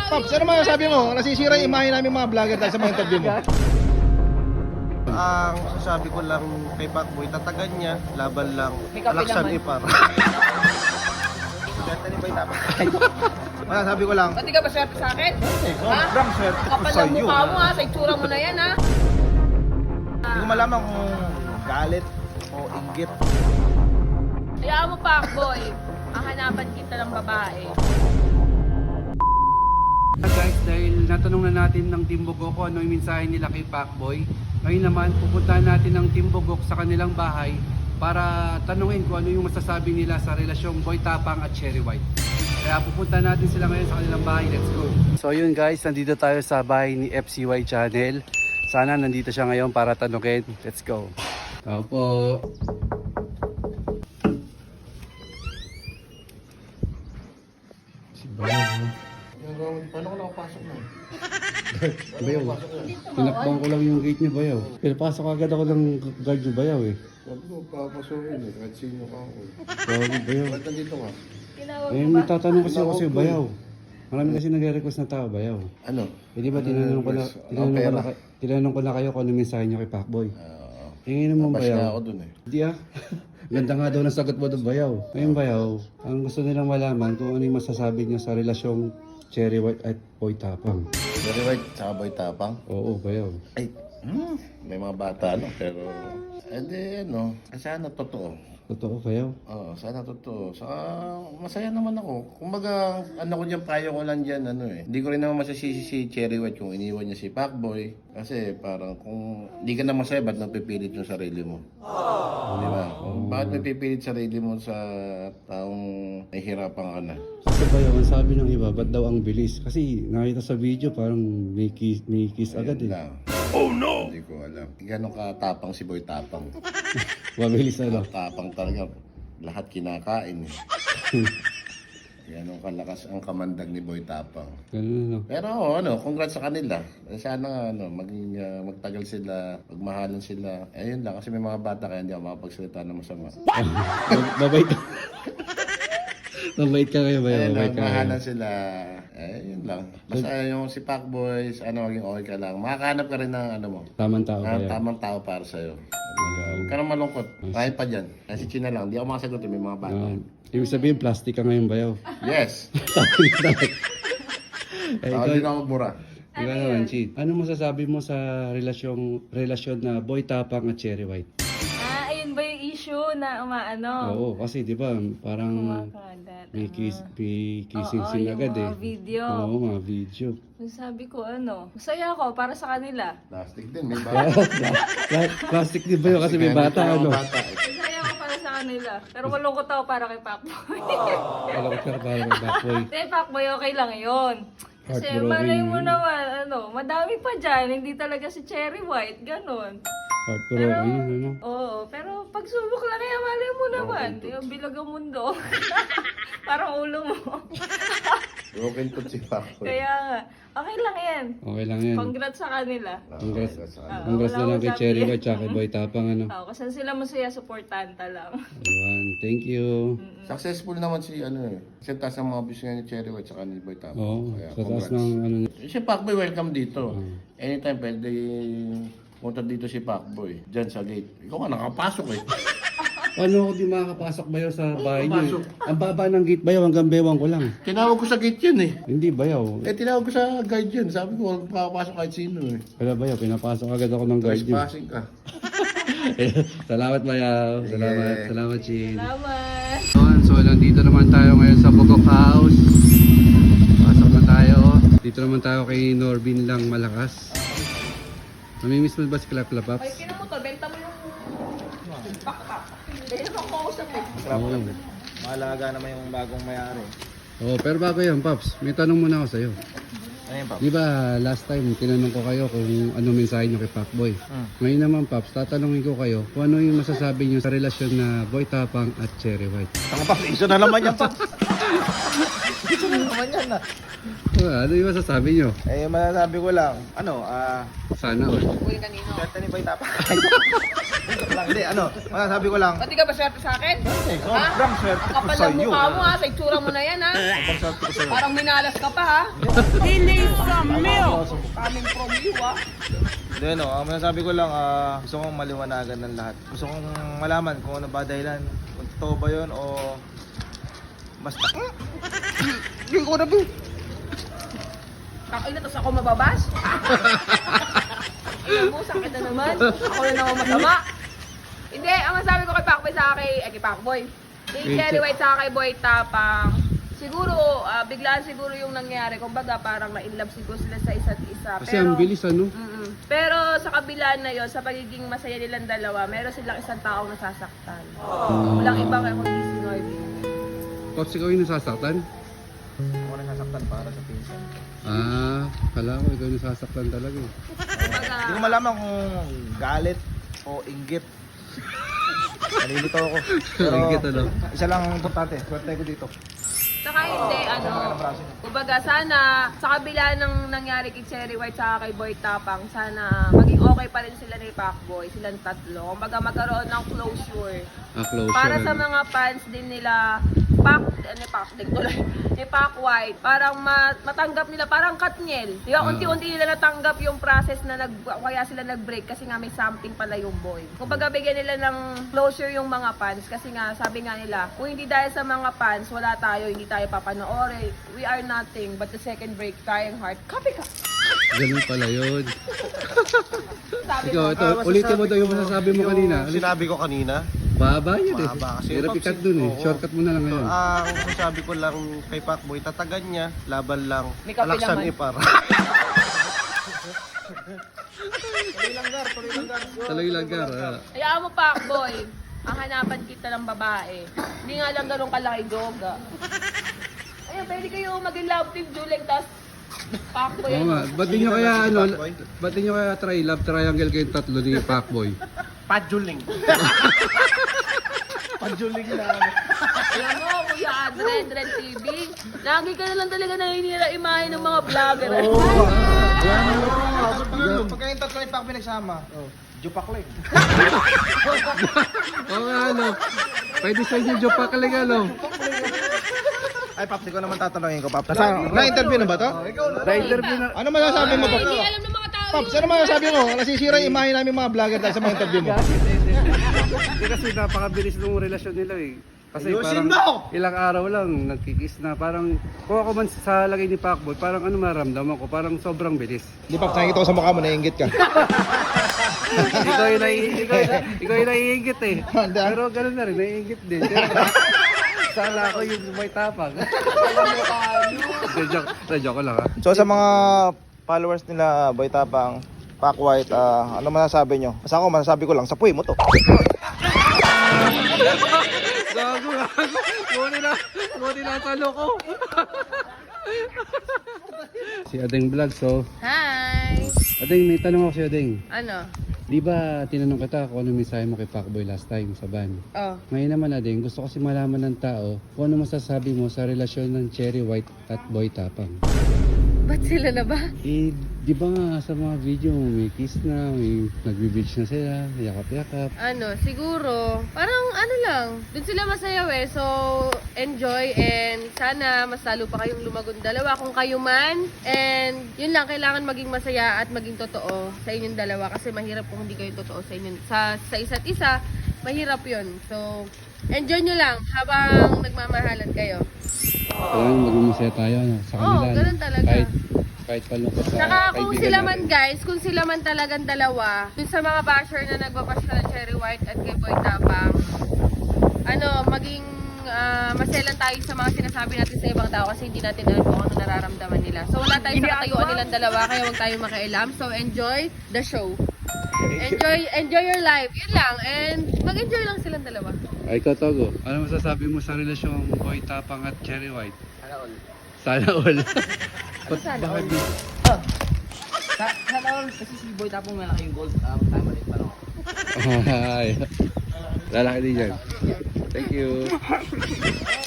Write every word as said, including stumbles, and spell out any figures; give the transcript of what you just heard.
Pops, ano masasabi mo? Nasisira yung imahe namin mga vlogger dahil sa mga interview mo. Ang sasabi ko lang kay Pacboy, tatagan niya, laban lang, laksan ipar. Ganda ni Boy Tapang. Masasabi ko lang, Pati ka ba swerte sa akin? sobrang swerte ko Kapal sa ng iyo. mukha mo ha, sa itsura mo na yan ha. Hindi ko malaman kung galit o inggit. Hayaan mo Pacboy, hahanapan kita ng babae. Guys, dahil natanong na natin ng Team Bugok kung ano yung mensahe nila kay Pacboy, ngayon naman pupuntahan natin ng Team Bugok sa kanilang bahay para tanungin kung ano yung masasabi nila sa relasyong Boy Tapang at Cherry White. Kaya pupuntahan natin sila ngayon sa kanilang bahay. Let's go! So yun guys, nandito tayo sa bahay ni F C Y Channel. Sana nandito siya ngayon para tanungin. Let's go! Tao po! Si Bayaw. Paano ko nakapasok na? Bayaw. Tinakbang ko lang yung gate niya, Bayaw. Pero pasok agad ako ng guard niyo, Bayaw eh. Sabi ko, papasukin eh, kahit sino ka ako eh. Bayaw, Bayaw. Ba't nandito ka? Tinawag Eh, mo ba? may tatanong kasi ako sa'yo, Bayaw. Marami kasi nagre-request na tao, Bayaw. Ano? Eh, di ba tinanong ko na, tinanong ko na, kay- tinanong ko na kayo kung ano mensahe niyo kay Pacboy. Uh, Tingin naman, Bash Bayaw. na ako dun eh. Hindi ah. Ganda nga daw ng sagot mo doon, Bayaw. Ngayon, Bayaw, ang gusto nilang malaman kung ano yung masasabi niyo sa relasyong Cherry White at Boy Tapang. Very right, saka Boy Tapang. Oo, Bayaw. Ay, hmm, may mga bata no, pero... Eh di, ano, sana totoo. Totoo, Bayaw. Oo, sana totoo. Saka masaya naman ako. Kumbaga, ano ko dyan, payo ko lang dyan, ano eh. Hindi ko rin naman masasisi si Cherry White kung iniwan niya si Pacboy. Kasi parang kung hindi ka na masaya, ba't napipilit yung sarili mo? Di ba? Kung bakit napipilit sarili mo sa taong nahihirapan ka na? Kasi Bayaw, ang sabi ng iba, ba't daw ang bilis? Kasi nakita sa video, parang may kiss, may kiss agad eh. Lang. Oh no! Hindi ko alam. Ganon katapang si Boy Tapang. Mabilis ano. Tapang talaga. Lahat kinakain eh. Ganon kalakas ang kamandag ni Boy Tapang. Ganun ano. Pero oh, ano, congrats sa kanila. Sana nga, ano, maging uh, magtagal sila, magmahalan sila. Ayun lang, kasi may mga bata kaya hindi ako makapagsalita ng masama. Mabait ka. Mabait ka kayo, Bayaw. Ayun lang, Mabait ka kayo. magmahalan sila. Ayun lang. Basta yung si Pacboy, ano, maging okay ka lang. Makakahanap ka rin ng ano mo. Tamang tao, Ah, Bayaw. tamang tao para sa'yo. Huwag ka nang malungkot. Kahit pa dyan. Kasi China lang. Hindi ako makasagot. May mga bata. Ah, ibig sabihin, plastic ka ngayon, Bayaw. Yes. Eh, Ako ikaw, din ako mura. ikaw naman, Chid. Ano masasabi mo sa relasyong, relasyon na Boy Tapang at Cherry White? Ah, ayun ba yung issue na umaano? Oo, kasi di ba, parang Kumakalat. may, kiss, may kissing Oo, scene yung agad eh. mga video. Oo, mga video. Yung sabi ko ano, masaya ako para sa kanila. Plastic din. May bata. Pla- Plastic di ba yun kasi may bata, May ano? bata. eh. Masaya ako para sa kanila. Pero malungkot ako para kay Pacboy. Alam ko pero parang may backboy. Hindi, Pacboy okay lang yun. Kasi Heartbroken malay mo yun. naman, ano, madami pa dyan, hindi talaga si Cherry White, ganon. Heartbroken yun, ano? Oo, pero pagsubok lang kaya malay mo naman. Yung bilag ang mundo. Parang ulo mo. Broken to si Pacboy. Kaya nga, okay lang yan. Okay lang yan. Congrats sa kanila. Congrats. Ah, Congrats wala na lang akong kay sabi. Cherry White tsaka kay Boy Tapang, ano? Oo, kasi sila masaya, supportanta lang. Ayan, thank you. Successful naman si ano eh. Kasi taas ng mga views nga ni Cherry White saka ni Boy Tapang. Oo, Kaya sa taas congrats. ng ano. Eh, Si Pacboy welcome dito. Anytime pwede punta dito si Pacboy. Diyan sa gate. Ikaw nga nakapasok eh. Ano ako di makakapasok bayaw sa bahay niyo? Ang baba ng gate bayaw hanggang bewang ko lang. Tinawag ko sa gate yun eh. Hindi bayaw. Eh tinawag ko sa guide yun. Sabi ko huwag makapasok kahit sino eh. Wala bayaw, pinapasok agad ako ng guard niyo. Trespassing ka. Salamat bayaw. Salamat. Salamat, Chin. Salamat! So, nandito naman tayo ngayon sa Bugok House. Pasok na tayo. Dito naman tayo kay Norbin lang malakas. Namimiss mo ba si Clap Clap Ay, Ups? kina mo to, benta mo yung backpack. Dahil naman ko ako sa pet. Oo. Mahalaga naman yung bagong mayari. Oo, pero bago yan, Pops, may tanong muna ako sa'yo. Ano yun, Pap? Di ba last time tinanong ko kayo kung ano mensahe nyo kay Pacboy? Hmm. Ngayon naman, Pops, tatanungin ko kayo kung ano yung masasabi nyo sa relasyon na Boy Tapang at Cherry White. Tanga, Pap. Iso na naman yan, Pap. Iso na naman yan, na. Ano yung masasabi nyo? Eh, masasabi ko lang, ano, ah, Sana all. Uy, kanino? swerte ni Boy Tapang. lang, hindi, ano, masasabi ko lang, Pati ka ba swerte sa akin? eh, sobrang swerte Ang ko kapal sa ng iyo. mukha mo ha, sa itsura mo na yan ha. Sobrang swerte ko sa iyo. Parang minalas ka pa ha. Delay from milk! Coming from you ha. Hindi, no, ang masasabi ko lang, ah, gusto kong maliwanagan ng lahat. Gusto kong malaman kung ano ba dahilan, kung totoo ba yun o basta. Hindi ko na ba? Kakailan, tapos ako mababas? Ayun mo, sakit na naman. Ako na naman masama. Hindi, ang masabi ko kay Pacboy sa akin, eh kay Pacboy. Kay Cherry White sa kay Boy Tapang. Siguro, ah, biglaan siguro yung nangyari. Kumbaga, parang na-inlove siguro sila sa isa't isa. Kasi ang bilis ano? Mm-mm. Pero sa kabila na yon, sa pagiging masaya nilang dalawa, meron silang isang taong nasasaktan. Walang iba kaya kundi si Norby. Coach, ikaw yung nasasaktan? Ako na sasaktan para sa pinsan. Ah, kala ko ikaw yung nasasaktan talaga eh. Kumbaga, Hindi ko malaman kung galit o inggit. Nalilito ako. Pero Inggit, ano? isa lang ang importante, swerte ko dito. saka hindi, ano, kumbaga sana sa kabila ng nangyari kay Cherry White sa kay Boy Tapang, sana maging okay pa rin sila ni Pacboy, silang tatlo. Kumbaga magkaroon ng closure. Ah, closure. Para sa ano? mga fans din nila, Pac, ano Pac, din tuloy, ni Pac White, parang ma- matanggap nila, parang Katniel. Di ba, Ah. unti-unti nila natanggap yung process na nag, kaya sila nag-break kasi nga may something pala yung boy. Kumbaga bigyan nila ng closure yung mga fans kasi nga, sabi nga nila, kung hindi dahil sa mga fans, wala tayo, hindi tayo papanoorin. We are nothing but the second break, crying heart. Copy ka! Ganun pala yun. Sabi Ikaw, mo, ito, ulitin mo daw yung masasabi mo kanina. Yung sinabi ko kanina, Baba yun eh. Mahaba kasi. Hirap ikat dun eh. Oo. Shortcut mo na lang ngayon. ah, ang masasabi ko lang kay Pacboy, tatagan niya, laban lang, May kape alaksan naman. ipar. Tuloy lang gar, tuloy lang gar. Talagang langgar. Ah. hayaan mo Pacboy, ang hanapan kita ng babae. Hindi nga lang ganun kalaki joga. Ayun, pwede kayo maging love team Juling, tas Pacboy. Oo nga. Ba't di nyo kaya ano, ba't di nyo kaya try love triangle kayong tatlo ni Pacboy? Pajuling. Pajuling na. Alam mo, Kuya Adren, Adren T V, lagi ka na lang talaga naninira imahe ng mga vlogger. Pagka yung tatlo ni Pacboy nagsama, Jupakling. Oo nga ano. Pwede sa inyo Joe Pakaling ano. Ay, Paps, ikaw naman tatanungin ko, Paps. Na-interview na ba to? Na-interview na. Ano masasabi mo, Paps? Hindi alam ng mga tao Paps, yun. ano masasabi mo? Nasisira yung imahe namin mga vlogger dahil sa mga interview mo. Hindi kasi napakabilis ng relasyon nila eh. Kasi Ayusin parang mo! ilang araw lang nagkikis na parang kung ako man sa lagay ni Pacboy, parang ano maramdaman ko, parang sobrang bilis. Di, Paps, nakikita ko sa mukha mo, naiingit ka. ikaw yung nai- ikaw, ikaw yung naiingit eh. Hindi, ah. Pero gano'n na rin, naiingit din. Sala ko yung may tapang. Joke, joke ko lang ha. So, sa mga followers nila, Boy Tapang, Pac White, ah, ano masasabi nyo? Basta ako, masasabi ko lang, sapuy mo to. Gago, gago. Buti na, buti na sa loko. Si Adeng Vlog, so. Hi! Adeng, may tanong ako si Adeng. Ano? Di ba tinanong kita kung ano mensahe mo kay Pacboy last time sa van? Oh. Ngayon naman Adeng, gusto kasi malaman ng tao kung ano masasabi mo sa relasyon ng Cherry White at Boy Tapang. Ba't sila na ba? Eh, di ba nga sa mga video may kiss na, may nagbe-beach na sila, yakap-yakap. Ano, siguro, parang ano lang, dun sila masayaw eh. So, enjoy and sana mas lalo pa kayong lumagon dalawa kung kayo man. And yun lang, kailangan maging masaya at maging totoo sa inyong dalawa kasi mahirap kung hindi kayo totoo sa inyong, sa, sa isa't isa, mahirap yun. So, enjoy nyo lang habang nagmamahalan kayo. Kailangan maging masaya tayo ano, sa kanila. Oo, ano. ganun talaga. Kahit, kahit palungkot sa Saka kung kaibigan sila natin. man guys, kung sila man talagang dalawa, dun sa mga basher na nagbabash na ng Cherry White at kay Boy Tapang, ano, maging ah, maselan tayo sa mga sinasabi natin sa ibang tao kasi hindi natin alam kung ano nararamdaman nila. So wala tayo sa katayuan nilang dalawa, kaya huwag tayo makialam. So enjoy the show. Enjoy enjoy your life. Yun lang. And mag-enjoy lang silang dalawa. Ay, ikaw Togo, ano masasabi mo sa relasyon Boy Tapang at Cherry White? Sana all. Sana all. Ba't Sana bakit all. di? Sa, sana all, kasi si Boy Tapong malaki yung gold. Um, tama rin parang. Ay, lalaki din yan. Thank you.